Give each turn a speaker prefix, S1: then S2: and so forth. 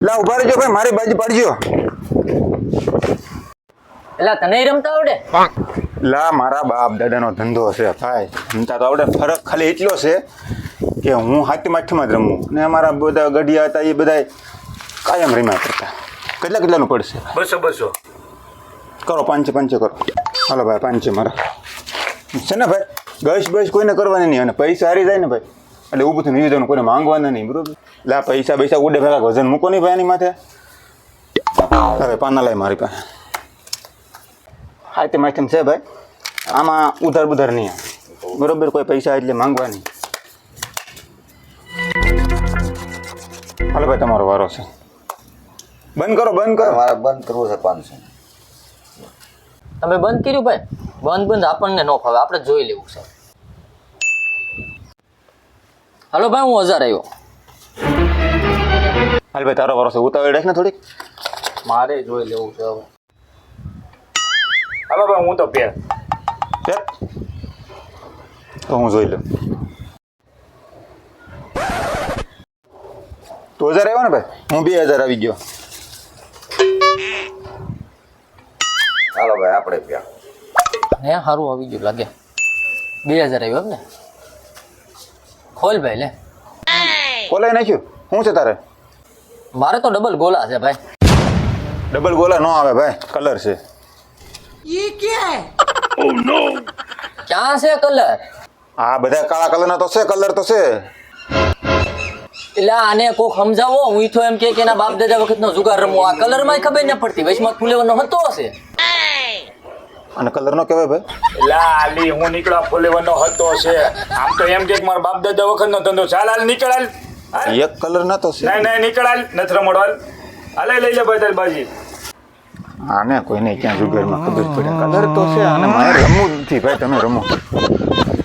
S1: લા ઉભા રહેજો ભાઈ, મારી બાજુ પાડજો.
S2: એલા તને રમતા આવડે?
S1: લા મારા બાપ દાદાનો ધંધો છે ભાઈ, રમતા તો આવડે. ફરક ખાલી એટલો છે કે હું હાથમાં આઠમાં જ રમું ને અમારા બધા ગઢિયા હતા એ બધા કાયમ રમ્યા કરતા. કેટલાનું પડશે?
S3: 200
S1: કરો, 500 કરો. હાલો ભાઈ, 500 મારા છે ને ભાઈ. બસ કોઈને કરવાની નહીં, અને પૈસા હારી જાય ને ભાઈ એટલે ઊભું થઈને વિવિધનું કોઈને માંગવાના નહીં, બરોબર? લા પૈસા ઉડે ભેગા વજન મૂકો નહીં ભાઈ એની માથે. હવે પાના લાય મારી પાસે. આઈટમ છે ભાઈ, આમાં ઉધાર નહીં આવે, બરોબર? કોઈ પૈસા એટલે માંગવા નહીં. હાલો ભાઈ, તમારો વારો છે. બંધ કરો.
S4: મારે બંધ કરવું છે 500.
S2: તમે બંધ કર્યું ભાઈ? બંધ આપણને ન ફાવે, આપણે જોઈ લેવું છે. હાલો ભાઈ, હું 1000 આવ્યો.
S1: હાલ ભાઈ, તારો વારો છે. ઉતાવળ રાખ ને થોડીક.
S2: મારે જોઈ લેવું છે હવે.
S3: હાલો ભાઈ, હું તો પેર.
S1: તો હું જોઈ લઉં. તો 1000 આવ્યો ને ભાઈ, હું 2000 આવી ગયો.
S4: હાલો ભાઈ, આપણે પ્યા.
S2: હે સારું આવી ગયું લાગે. 2000 આવ્યો એમ ને? ખોલ ભાઈ લે.
S1: કોલાઈ નાખ્યું? શું છે તારે?
S2: મારે તો ડબલ ગોલા છે ભાઈ.
S1: ડબલ ગોલા ન આવે ભાઈ, કલર છે.
S2: ક્યાં છે કલર?
S1: આ બધા કાળા કલરના તો છે, કલર તો છે.
S2: એટલે આને કોક સમજાવો. હું તો એમ કે એના બાપ દાદા વખતનો જુગાર રમવો. આ કલર માં ખબર ન પડતી. વૈશમાં ફૂલેવાનો હતો હશે.
S1: અને કલર નો કહેવાય ભાઈ.
S3: લા આલી હું નીકળા ફોલેવાનો હતો છે. આમ તો એમ કે મારા બાપ દાદા વખતનો ધંધો. ચાલ હાલ નીકળ હાલ.
S1: એક કલર ના તો છે.
S3: નહીં નીકળ હાલ, નથી રમડો હાલ. હાલે લઈ લે ભાઈ તારી બાજી.
S1: આને કોઈને ક્યાં જુગારમાં ખબર પડે. કલર તો છે, અને મારે રમવું જ નથી ભાઈ. તમે રમો.